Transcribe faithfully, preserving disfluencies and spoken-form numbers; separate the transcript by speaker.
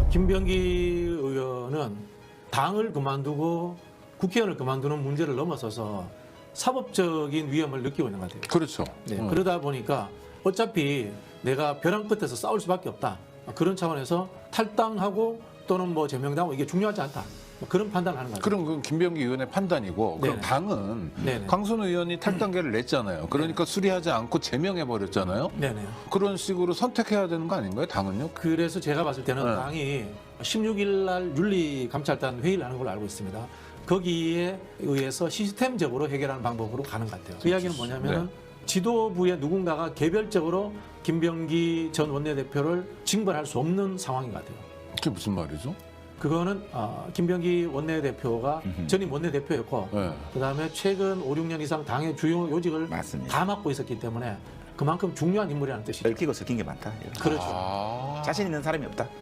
Speaker 1: 김병기 의원은 당을 그만두고 국회의원을 그만두는 문제를 넘어서서 사법적인 위험을 느끼고 있는 것 같아요.
Speaker 2: 그렇죠.
Speaker 1: 네,
Speaker 2: 어.
Speaker 1: 그러다 보니까 어차피 내가 벼랑 끝에서 싸울 수밖에 없다. 그런 차원에서 탈당하고 또는 뭐 제명당하고 이게 중요하지 않다. 뭐 그런 판단을 하는 거죠.
Speaker 2: 그럼 그건 김병기 의원의 판단이고 그럼
Speaker 1: 네네.
Speaker 2: 당은
Speaker 1: 네네.
Speaker 2: 강순 의원이 탈당계를 냈잖아요. 그러니까 수리하지 않고 제명해 버렸잖아요.
Speaker 1: 네네.
Speaker 2: 그런 식으로 선택해야 되는 거 아닌가요? 당은요?
Speaker 1: 그래서 제가 봤을 때는
Speaker 2: 네.
Speaker 1: 당이 십육 일 날 윤리감찰단 회의를 하는 걸로 알고 있습니다. 거기에 의해서 시스템적으로 해결하는 방법으로 가는 것 같아요. 그 이야기는 뭐냐면
Speaker 2: 네.
Speaker 1: 지도부의 누군가가 개별적으로 김병기 전 원내대표를 징벌할 수 없는 상황인 것 같아요.
Speaker 2: 그게 무슨 말이죠?
Speaker 1: 그거는 어, 김병기 원내대표가 전임 원내대표였고
Speaker 2: 네.
Speaker 1: 그다음에 최근 오, 육 년 이상 당의 주요 요직을
Speaker 3: 맞습니다.
Speaker 1: 다 맡고 있었기 때문에 그만큼 중요한 인물이라는 뜻이죠.
Speaker 3: 얽히고 섞인 게 많다.
Speaker 1: 그렇죠.
Speaker 2: 아.
Speaker 3: 자신 있는 사람이 없다.